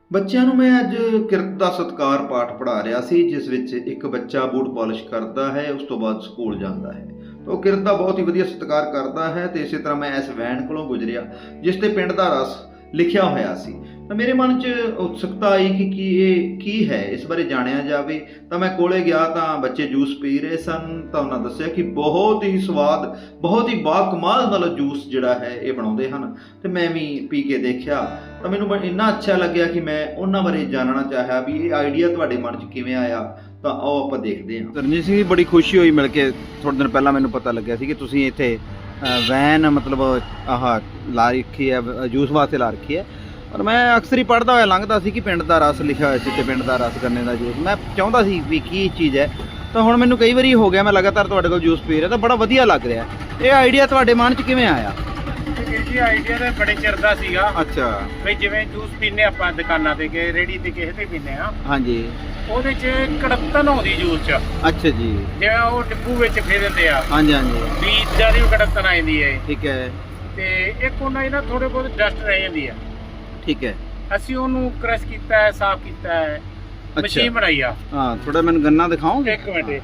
ਬੱਚਿਆਂ ਨੂੰ ਮੈਂ ਅੱਜ ਕਿਰਤ ਦਾ ਸਤਿਕਾਰ ਪਾਠ ਪੜ੍ਹਾ ਰਿਹਾ ਸੀ, ਜਿਸ ਵਿੱਚ ਇੱਕ ਬੱਚਾ ਬੂਟ ਪਾਲਿਸ਼ ਕਰਦਾ ਹੈ, ਉਸ ਤੋਂ ਬਾਅਦ ਸਕੂਲ ਜਾਂਦਾ ਹੈ। ਉਹ ਕਿਰਤ ਦਾ ਬਹੁਤ ਹੀ ਵਧੀਆ ਸਤਿਕਾਰ ਕਰਦਾ ਹੈ ਤੇ ਇਸੇ ਤਰ੍ਹਾਂ ਮੈਂ ਇਸ ਵੈਨ ਕੋਲੋਂ ਗੁਜ਼ਰਿਆ ਜਿਸ ਤੇ ਪਿੰਡ ਦਾ ਰਸ ਲਿਖਿਆ ਹੋਇਆ ਸੀ। ਤਾਂ ਮੇਰੇ ਮਨ 'ਚ ਉਤਸੁਕਤਾ ਆਈ ਕਿ ਇਹ ਕੀ ਹੈ, ਇਸ ਬਾਰੇ ਜਾਣਿਆ ਜਾਵੇ। ਤਾਂ ਮੈਂ ਕੋਲੇ ਗਿਆ ਤਾਂ ਬੱਚੇ ਜੂਸ ਪੀ ਰਹੇ ਸਨ। ਤਾਂ ਉਹਨਾਂ ਦੱਸਿਆ ਕਿ ਬਹੁਤ ਹੀ ਸਵਾਦ, ਬਹੁਤ ਹੀ ਬਾਕਮਾਲ ਨਾਲ ਜੂਸ ਜਿਹੜਾ ਹੈ ਇਹ ਬਣਾਉਂਦੇ ਹਨ ਤੇ ਮੈਂ ਵੀ ਪੀ ਕੇ ਦੇਖਿਆ। ਤਾਂ ਮੈਨੂੰ ਇੰਨਾ ਅੱਛਾ ਲੱਗਿਆ ਕਿ ਮੈਂ ਉਹਨਾਂ ਬਾਰੇ ਜਾਣਨਾ ਚਾਹਿਆ ਵੀ ਇਹ ਆਈਡੀਆ ਤੁਹਾਡੇ ਮਨ 'ਚ ਕਿਵੇਂ ਆਇਆ। ਤਾਂ ਆਓ ਆਪਾਂ ਦੇਖਦੇ ਹਾਂ। ਰਣਜੀਤ ਸਿੰਘ ਜੀ, ਬੜੀ ਖੁਸ਼ੀ ਹੋਈ ਮਿਲ ਕੇ। ਥੋੜ੍ਹੇ ਦਿਨ ਪਹਿਲਾਂ ਮੈਨੂੰ ਪਤਾ ਲੱਗਿਆ ਸੀ ਕਿ ਤੁਸੀਂ ਇੱਥੇ ਵੈਨ ਮਤਲਬ ਆਹ ਲਾ ਰੱਖੀ ਹੈ, ਜੂਸ ਵਾਸਤੇ ਲਾ ਰੱਖੀ ਹੈ। ਪਰ ਮੈਂ ਅਕਸਰ ਹੀ ਪੜ੍ਹਦਾ ਹੋਇਆ ਲੰਘਦਾ ਸੀ ਕਿ ਪਿੰਡ ਦਾ ਰਸ ਲਿਖਿਆ ਹੋਇਆ ਸੀ ਤੇ ਪਿੰਡ ਦਾ ਰਸ ਗੰਨੇ ਦਾ ਜੂਸ। ਮੈਂ ਚਾਹੁੰਦਾ ਸੀ ਵੀ ਕੀ ਚੀਜ਼ ਹੈ। ਤਾਂ ਹੁਣ ਮੈਨੂੰ ਕਈ ਵਾਰੀ ਹੋ ਗਿਆ, ਮੈਂ ਲਗਾਤਾਰ ਤੁਹਾਡੇ ਕੋਲ ਜੂਸ ਪੀ ਰਿਹਾ ਤਾਂ ਬੜਾ ਵਧੀਆ ਲੱਗ ਰਿਹਾ। ਇਹ ਆਈਡੀਆ ਤੁਹਾਡੇ ਮਨ 'ਚ ਕਿਵੇਂ ਆਇਆ? ਜੀ ਆਈਡੀਆ ਤਾਂ ਬੜੇ ਚਿਰ ਦਾ ਸੀਗਾ। ਅੱਛਾ। ਬਈ ਜਿਵੇਂ ਜੂਸ ਪੀਨੇ ਆਪਾਂ ਦੁਕਾਨਾਂ ਤੇ ਗਏ, ਰੇੜੀ ਤੇ ਕਿਸੇ ਤੇ ਪੀਨੇ ਆ, ਹਾਂਜੀ। ਉਹਦੇ 'ਚ ਕੜਪਤਨ ਆਉਂਦੀ ਜੂਸ 'ਚ। ਅੱਛਾ ਜੀ। ਜਿਵੇਂ ਉਹ ਡਿੱਬੂ ਵਿੱਚ ਫੇਰ ਦਿੰਦੇ ਆ। ਹਾਂਜੀ ਹਾਂਜੀ। ਵੀ ਇਦਾਂ ਦੀ ਕੜਪਤਨ ਆ ਜਾਂਦੀ ਹੈ। ਠੀਕ ਹੈ। ਤੇ ਇੱਕ ਉਹਨਾਂ ਦੀ ਨਾ ਥੋੜੇ ਬਹੁਤ ਡਸਟ ਰਹਿ ਜਾਂਦੀ ਆ। ਠੀਕ ਹੈ। ਅਸੀਂ ਉਹਨੂੰ ਕ੍ਰਸ਼ ਕੀਤਾ ਹੈ, ਸਾਫ਼ ਕੀਤਾ ਹੈ, ਮਸ਼ੀਨ ਬਣਾਈ ਆ। ਹਾਂ, ਥੋੜਾ ਮੈਨੂੰ ਗੰਨਾ ਦਿਖਾਓਗੇ? ਇੱਕ ਮਿੰਟ।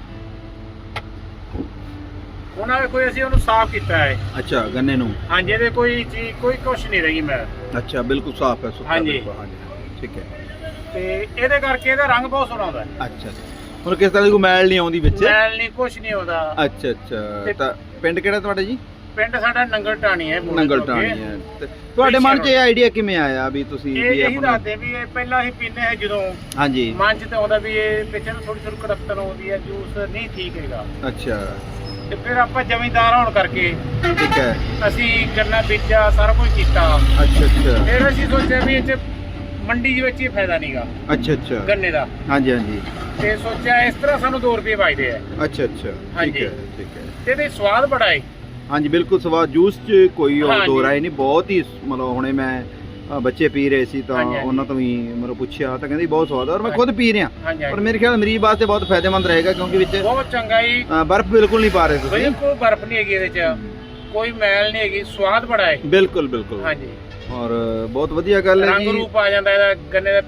ਉਹਨਾਂ ਦੇ ਕੋਈ ਅਸੀਂ ਉਹਨੂੰ ਸਾਫ਼ ਕੀਤਾ ਹੈ। ਅੱਛਾ, ਗੰਨੇ ਨੂੰ। ਹਾਂਜੀ, ਇਹਦੇ ਕੋਈ ਚੀਜ਼ ਕੋਈ ਕੁਛ ਨਹੀਂ ਰਹੀ। ਮੈਂ ਅੱਛਾ, ਬਿਲਕੁਲ ਸਾਫ਼ ਹੈ, ਸੁੱਕਾ। ਹਾਂਜੀ। ਠੀਕ ਹੈ। ਤੇ ਇਹਦੇ ਕਰਕੇ ਇਹਦਾ ਰੰਗ ਬਹੁਤ ਸੋਹਣਾ ਆਉਂਦਾ ਹੈ। ਅੱਛਾ, ਹੁਣ ਕਿਸ ਤਰ੍ਹਾਂ ਦੀ ਕੋਈ ਮੈਲ ਨਹੀਂ ਆਉਂਦੀ ਵਿੱਚ? ਮੈਲ ਨਹੀਂ, ਕੁਛ ਨਹੀਂ ਆਉਂਦਾ। ਅੱਛਾ ਅੱਛਾ। ਤਾਂ ਪਿੰਡ ਕਿਹੜਾ ਤੁਹਾਡਾ ਜੀ? ਪਿੰਡ ਸਾਡਾ ਨੰਗਲ ਟਾਣੀ ਹੈ। ਨੰਗਲ ਟਾਣੀ ਹੈ। ਤੇ ਤੁਹਾਡੇ ਮਨ 'ਚ ਇਹ ਆਈਡੀਆ ਕਿਵੇਂ ਆਇਆ ਵੀ ਤੁਸੀਂ ਇਹ ਦੱਸਦੇ ਵੀ ਇਹ ਪਹਿਲਾਂ ਅਸੀਂ ਪੀਂਦੇ ਹਾਂ ਜਦੋਂ। ਹਾਂਜੀ। ਮਨ 'ਚ ਤਾਂ ਆਉਂਦਾ ਵੀ ਇਹ ਪਿੱਛੇ ਨੂੰ ਥੋੜੀ ਥੋੜੀ ਕੜਪਤਨ ਆਉਂਦੀ ਹੈ, ਜੂਸ ਨਹੀਂ ਠੀਕ ਹੈਗਾ। ਅੱਛਾ। ਤੇ ਫਿਰ ਆਪਾਂ ਜ਼ਮੀਂਦਾਰ ਹੋਣ ਕਰਕੇ ਠੀਕ ਹੈ, ਅਸੀਂ ਗੰਨਾ ਬੀਜਿਆ, ਸਾਰਾ ਕੁਝ ਕੀਤਾ। ਅੱਛਾ ਅੱਛਾ। ਫਿਰ ਅਸੀਂ ਸੋਚਿਆ ਵੀ ਇਹ 'ਚ ਮੰਡੀ ਦੇ ਵਿੱਚ ਇਹ ਫਾਇਦਾ ਨਹੀਂਗਾ ਅੱਛਾ ਅੱਛਾ ਗੰਨੇ ਦਾ। ਹਾਂਜੀ ਹਾਂਜੀ। ਤੇ ਸੋਚਿਆ ਇਸ ਤਰ੍ਹਾਂ ਸਾਨੂੰ 2 ਰੁਪਏ ਵੱਜਦੇ ਆ। ਅੱਛਾ ਅੱਛਾ। ਠੀਕ ਹੈ ਠੀਕ ਹੈ। ਤੇ ਇਹਦੇ ਸਵਾਦ ਬੜਾ ਹੈ। ਹਾਂਜੀ, ਬਿਲਕੁਲ ਸਵਾਦ। ਜੂਸ 'ਚ ਕੋਈ ਹਾਂਜੀ। ਦੋ ਰਾਏ ਨਹੀਂ, ਬਹੁਤ ਹੀ ਮਤਲਬ ਹੁਣੇ ਮੈਂ ਬੱਚੇ ਪੀ ਰਹੇ ਸੀ ਤਾਂ ਹਾਂਜੀ, ਹਾਂਜੀ। ਉਹਨਾਂ ਤੋਂ ਵੀ ਮਤਲਬ ਪੁੱਛਿਆ ਤਾਂ ਕਹਿੰਦੇ ਬਹੁਤ ਸਵਾਦ ਹੈ, ਔਰ ਮੈਂ ਖੁਦ ਪੀ ਰਿਹਾ। ਹਾਂਜੀ, ਪਰ ਮੇਰੇ ਖਿਆਲ ਮਰੀਜ਼ ਵਾਸਤੇ ਬਹੁਤ ਫਾਇਦੇਮੰਦ ਰਹੇਗਾ ਕਿਉਂਕਿ ਵਿੱਚ ਬਹੁਤ ਚੰਗਾ ਹੀ। ਬਰਫ਼ ਬਿਲਕੁਲ ਨਹੀਂ ਪਾ ਰਹੇ ਤੁਸੀਂ? ਬਿਲਕੁਲ ਬਰਫ਼ ਨਹੀਂ ਹੈਗੀ ਇਹਦੇ 'ਚ, ਕੋਈ ਮੈਲ ਨਹੀਂ ਹੈਗੀ, ਸਵਾਦ ਬੜਾ ਹੈ। ਬਿਲਕੁਲ ਬਿਲਕੁਲ। ਹਾਂਜੀ। ਔਰ ਬਹੁਤ ਵਧੀਆ ਗੱਲ ਹੈ ਰੰਗ ਜੀ। ਰੂਪ ਆ ਜਾਂਦਾ ਇਹਦਾ ਗੰਨੇ ਦਾ।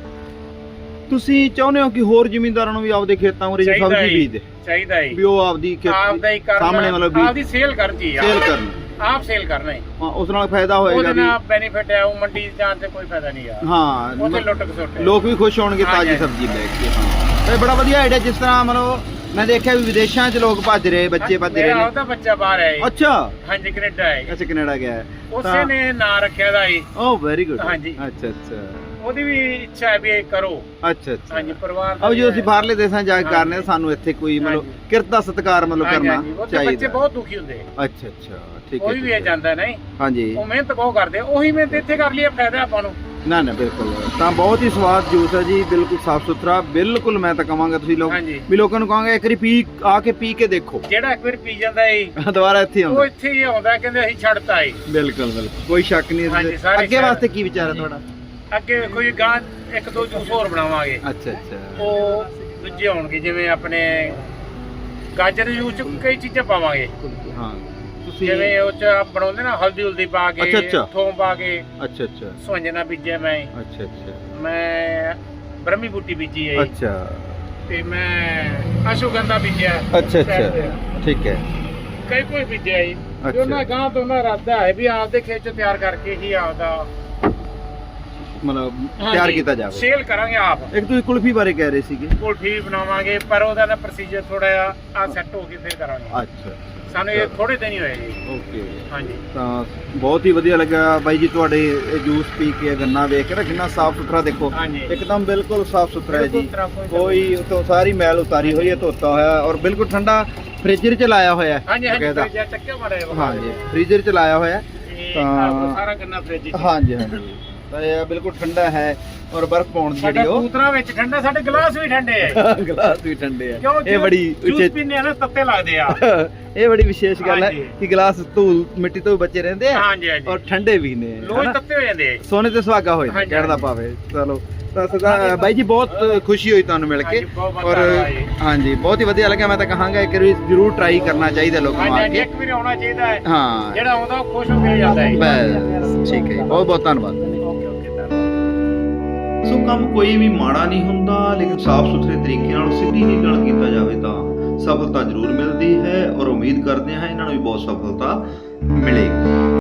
ਤੁਸੀਂ ਚਾਹੁੰਦੇ ਹੋ ਕਿ ਹੋਰ ਜ਼ਿਮੀਂਦਾਰਾਂ ਨੂੰ ਵੀ ਆਪਦੇ ਖੇਤਾਂ ਉਰੇ ਸਬਜ਼ੀ ਬੀਜ ਦੇ? ਚਾਹੀਦਾ ਹੈ ਵੀ ਉਹ ਆਪਦੀ ਆਪਦਾ ਹੀ ਕਰਨਾ, ਸਾਹਮਣੇ ਮਤਲਬ ਆਪਦੀ ਸੇਲ ਕਰਨ ਜੀ, ਸੇਲ ਕਰਨ। ਆਪ ਸੇਲ ਕਰਨਾ ਹੈ। ਹਾਂ, ਉਸ ਨਾਲ ਫਾਇਦਾ ਹੋਏਗਾ ਉਹਦੇ ਵੀ। ਨਾਲ ਬੈਨੀਫਿਟ ਹੈ। ਉਹ ਮੰਡੀ ਜਾਣ ਤੇ ਕੋਈ ਫਾਇਦਾ ਨਹੀਂ ਆ। ਹਾਂ, ਉਹਦੇ ਲੁੱਟ ਖਸੁੱਟ ਹੈ। ਲੋਕ ਵੀ ਖੁਸ਼ ਹੋਣਗੇ ਤਾਜ਼ੀ ਹਾਂਜੀ। ਸਬਜ਼ੀ ਲੈ ਕੇ। ਹਾਂ, ਇਹ ਬੜਾ ਵਧੀਆ ਆਈਡੀਆ। ਜਿਸ ਤਰ੍ਹਾਂ ਮਤਲਬ ਮੈਂ ਦੇਖਿਆ ਵੀ ਵਿਦੇਸ਼ਾਂ 'ਚ ਲੋਕ ਭੱਜ ਰਹੇ, ਬੱਚੇ ਭੱਜ ਰਹੇ ਮੇਰਾ ਨੇ। ਉਹਦਾ ਬੱਚਾ ਬਾਹਰ ਹੈ। ਅੱਛਾ। ਹਾਂਜੀ, ਕੈਨੇਡਾ ਹੈ। ਅੱਛਾ, ਕੈਨੇਡਾ ਗਿਆ ਹੈ। ਉਸੇ ਨੇ ਨਾਂ ਰੱਖਿਆ ਦਾ ਹੈ। ਓ ਵੈਰੀ ਗੁੱਡ। ਹਾਂਜੀ। ਅੱਛਾ ਅੱਛਾ। ਉਹਦੀ ਵੀ ਇੱਛਾ ਹੈ ਵੀ ਇਹ ਕਰੋ। ਅੱਛਾ ਅੱਛਾ। ਹਾਂਜੀ, ਪਰਿਵਾਰ ਦਾ ਅਬ ਜੋ ਵੀ ਅਸੀਂ ਹੈ। ਬਾਹਰਲੇ ਦੇਸ਼ਾਂ 'ਚ ਜਾ ਕੇ ਹਾਂਜੀ। ਕਰਨੇ, ਸਾਨੂੰ ਇੱਥੇ ਕੋਈ ਮਤਲਬ ਹਾਂਜੀ। ਕਿਰਤ ਦਾ ਸਤਿਕਾਰ ਮਤਲਬ ਹਾਂਜੀ, ਕਰਨਾ ਹਾਂਜੀ। ਉੱਥੇ ਬੱਚੇ ਚਾਹੀਦਾ। ਬਹੁਤ ਦੁਖੀ ਹੁੰਦੇ। ਅੱਛਾ ਅੱਛਾ। ਠੀਕ ਹੈ। ਕੋਈ ਵੀ ਇਹ ਜਾਂਦਾ ਨਹੀਂ। ਹਾਂਜੀ। ਉਹ ਮਿਹਨਤ ਬਹੁਤ ਕਰਦੇ, ਉਹੀ ਮਿਹਨਤ ਇੱਥੇ ਕਰ ਲਈਏ, ਫਾਇਦਾ ਆਪਾਂ ਨੂੰ। ਨਾ ਨਾ, ਬਿਲਕੁਲ। ਤਾਂ ਬਹੁਤ ਹੀ ਸਵਾਦ ਜੂਸ ਹੈ ਜੀ, ਬਿਲਕੁਲ ਸਾਫ ਸੁਥਰਾ। ਬਿਲਕੁਲ ਮੈਂ ਤਾਂ ਕਹਾਂਗਾ ਤੁਸੀਂ ਲੋਕ ਹਾਂਜੀ। ਵੀ ਲੋਕਾਂ ਨੂੰ ਕਹਾਂਗਾ ਇੱਕ ਵਾਰੀ ਆ ਕੇ ਪੀ ਕੇ ਦੇਖੋ। ਜਿਹੜਾ ਇੱਕ ਵਾਰ ਪੀ ਜਾਂਦਾ ਏ ਦੁਬਾਰਾ ਇੱਥੇ ਉਹ ਆਉਂਦਾ। ਇੱਥੇ ਹੀ ਆਉਂਦਾ, ਕਹਿੰਦੇ ਅਸੀਂ ਛੱਡਤਾ ਏ। ਬਿਲਕੁਲ ਬਿਲਕੁਲ, ਕੋਈ ਸ਼ੱਕ ਨਹੀਂ। ਹਾਂਜੀ, ਸਾਰੇ ਅੱਗੇ ਸ਼ਹਿਰ। ਵਾਸਤੇ ਕੀ ਵਿਚਾਰ ਹੈ ਤੁਹਾਡਾ? ਅੱਗੇ ਕੋਈ ਗਾਂ 1-2 ਜੂਸ ਹੋਰ ਬਣਾਵਾਂਗੇ। ਅੱਛਾ ਅੱਛਾ। ਉਹ ਦੂਜੇ ਹੋਣਗੇ, ਜਿਵੇਂ ਆਪਣੇ ਗਾਜਰ ਦੇ ਜੂਸ ਚ ਕਈ ਚੀਜ਼ਾਂ ਪਾਵਾਂਗੇ। ਹਾਂ, ਤੁਸੀਂ ਜਿਵੇਂ ਉਹ ਚ ਬਣਾਉਂਦੇ ਨਾ, ਹਲਦੀ ਹੁਲਦੀ ਪਾ ਅੱਛਾ, ਕੇ, ਅੱਛਾ। ਥੋਮ ਪਾ ਕੇ। ਅੱਛਾ ਅੱਛਾ। ਸੁਹੰਜਣਾ ਬੀਜਿਆ ਮੈਂ। ਅੱਛਾ ਅੱਛਾ। ਮੈਂ ਬ੍ਰਹਮੀ ਬੂਟੀ ਬੀਜੀ ਹੈ। ਅੱਛਾ ਤੇ ਮੈਂ ਅਸ਼ੋਗੰਧਾ ਬੀਜਿਆ। ਅੱਛਾ ਅੱਛਾ। ਠੀਕ ਹੈ। ਕਈ ਕੋਈ ਬੀਜਿਆ ਹੈ। ਅੱਛਾ। ਉਹਨਾਂ ਗਾਂ ਤੋਂ ਨਾ ਇਰਾਦਾ ਹੈ ਵੀ ਆਪਦੇ ਖੇਤ ਚ ਤਿਆਰ ਕਰਕੇ ਹੀ ਆਪਦਾ ਮਤਲਬ ਤਿਆਰ ਕੀਤਾ ਜਾਵੇ। ਸੇਲ ਕਰਾਂਗੇ ਆਪ। ਇੱਕ ਤੁਸੀਂ ਕੁਲਫੀ ਬਾਰੇ ਕਹਿ ਰਹੇ ਸੀਗੇ। ਕੁਲਫੀ ਵੀ ਬਣਾਵਾਂਗੇ, ਪਰ ਉਹਦਾ ਨਾ ਪ੍ਰੋਸੀਜਰ ਥੋੜਾ ਜਿਹਾ ਆ ਸੈੱਟ ਹੋ ਕੇ ਫਿਰ ਕਰਾਂਗੇ। ਅੱਛਾ। ਸਾਨੂੰ ਇਹ ਥੋੜੇ ਦਿਨ ਹੀ ਹੋਏ ਜੀ। ਓਕੇ। ਹਾਂਜੀ। ਤਾਂ ਬਹੁਤ ਹੀ ਵਧੀਆ ਲੱਗਾ ਬਾਈ ਜੀ ਤੁਹਾਡੇ ਇਹ ਜੂਸ ਪੀ ਕੇ, ਗੰਨਾ ਵੇਖ ਕੇ ਨਾ ਕਿੰਨਾ ਸਾਫ ਸੁਥਰਾ। ਦੇਖੋ ਹਾਂਜੀ। ਇੱਕਦਮ ਬਿਲਕੁਲ ਸਾਫ ਸੁਥਰਾ ਹੈ ਜੀ। ਬਿਲਕੁਲ ਤਰ੍ਹਾਂ ਕੋਈ ਉਤੋਂ ਸਾਰੀ ਮੈਲ ਉਤਾਰੀ ਹੋਈ ਹੈ, ਧੋਤਾ ਹੋਇਆ, ਔਰ ਬਿਲਕੁਲ ਠੰਡਾ ਫ੍ਰੀਜ਼ਰ 'ਚ ਲਾਇਆ ਹੋਇਆ ਹੈ। ਹਾਂਜੀ ਹਾਂਜੀ, ਬਕਾਇਦਾ। ਫ੍ਰਿਜ ਚੱਕਿਆ ਮਾੜਾ ਜਿਹਾ। ਹਾਂਜੀ, ਫ੍ਰੀਜ਼ਰ 'ਚ ਲਾਇਆ ਹੋਇਆ ਹੈ। ਤਾਂ ਸਾਰਾ ਗੰਨਾ ਫ੍ਰਿਜ ਚ। ਹਾਂਜੀ ਹਾਂਜੀ। ਤਾਂ ਇਹ ਬਿਲਕੁਲ ਠੰਡਾ ਹੈ, ਔਰ ਬਰਫ਼ ਪਾਉਣ ਦੀ ਸਾਡਾ ਜਿਹੜੀ ਉਹ ਕੂਤਰਾ ਵਿੱਚ ਠੰਡਾ, ਸਾਡੇ ਗਲਾਸ ਵੀ ਠੰਡੇ ਆ। ਗਲਾਸ ਵੀ ਠੰਡੇ ਆ। ਕਿਉਂ ਇਹ ਬੜੀ ਜੂਸ ਪੀਨੇ ਆ ਨਾ, ਤੱਤੇ ਲੱਗਦੇ ਆ। ਇਹ ਬੜੀ ਵਿਸ਼ੇਸ਼ ਗੱਲ ਹੈ ਹਾਂਜੀ। ਕਿ ਗਲਾਸ ਧੂਲ ਮਿੱਟੀ ਤੋਂ ਬਚੇ ਰਹਿੰਦੇ ਆ, ਹਾਂਜੀ ਹਾਂਜੀ, ਔਰ ਠੰਡੇ ਵੀ ਨੇ। ਲੋਈ ਤੱਤੇ ਹੋ ਜਾਂਦੇ ਆ। ਸੋਨੇ ਤੇ ਸੁਹਾਗਾ ਹੋਏ ਹਾਂਜੀ, ਕਹਿਣ ਦਾ ਹਾਂਜੀ। ਭਾਵ ਹੈ। ਚਲੋ, ਤਾਂ ਸਦਾ ਬਾਈ ਜੀ ਬਹੁਤ ਖੁਸ਼ੀ ਹੋਈ ਤੁਹਾਨੂੰ ਮਿਲ ਕੇ। ਹਾਂਜੀ, ਬਹੁਤ ਬਹੁਤ ਔਰ ਧੰਨਵਾਦ ਜੀ। ਹਾਂਜੀ, ਬਹੁਤ ਹੀ ਵਧੀਆ ਲੱਗਿਆ। ਮੈਂ ਤਾਂ ਕਹਾਂਗਾ ਇੱਕ ਵਾਰੀ ਜ਼ਰੂਰ ਟਰਾਈ ਕਰਨਾ ਚਾਹੀਦਾ ਲੋਕਾਂ ਨੂੰ ਹਾਂਜੀ ਆ ਹਾਂਜੀ, ਕੇ। ਇੱਕ ਵਾਰੀ ਆਉਣਾ ਚਾਹੀਦਾ ਹੈ। ਹਾਂ, ਜਿਹੜਾ ਆਉਂਦਾ ਉਹ ਖੁਸ਼ ਹੋ ਕੇ ਜਾਂਦਾ ਹੈ। ਬਸ ਠੀਕ ਹੈ ਜੀ, ਬਹੁਤ ਬਹੁਤ ਧੰਨਵਾਦ। ਓਕੇ ਓਕੇ, ਧੰਨਵਾਦ। ਸੋ ਕੰਮ ਕੋਈ ਵੀ ਮਾੜਾ ਨਹੀਂ ਹੁੰਦਾ, ਲੇਕਿਨ ਸਾਫ਼ ਸੁਥਰੇ ਤਰੀਕੇ ਨਾਲ ਸਿੱਧੀ ਨੀਤ ਨਾਲ ਕੀਤਾ ਜਾਵੇ ਤਾਂ ਸਫਲਤਾ ਜ਼ਰੂਰ ਮਿਲਦੀ ਹੈ, ਔਰ ਉਮੀਦ ਕਰਦੇ ਹਾਂ ਇਹਨਾਂ ਨੂੰ ਵੀ ਬਹੁਤ ਸਫਲਤਾ ਮਿਲੇਗੀ।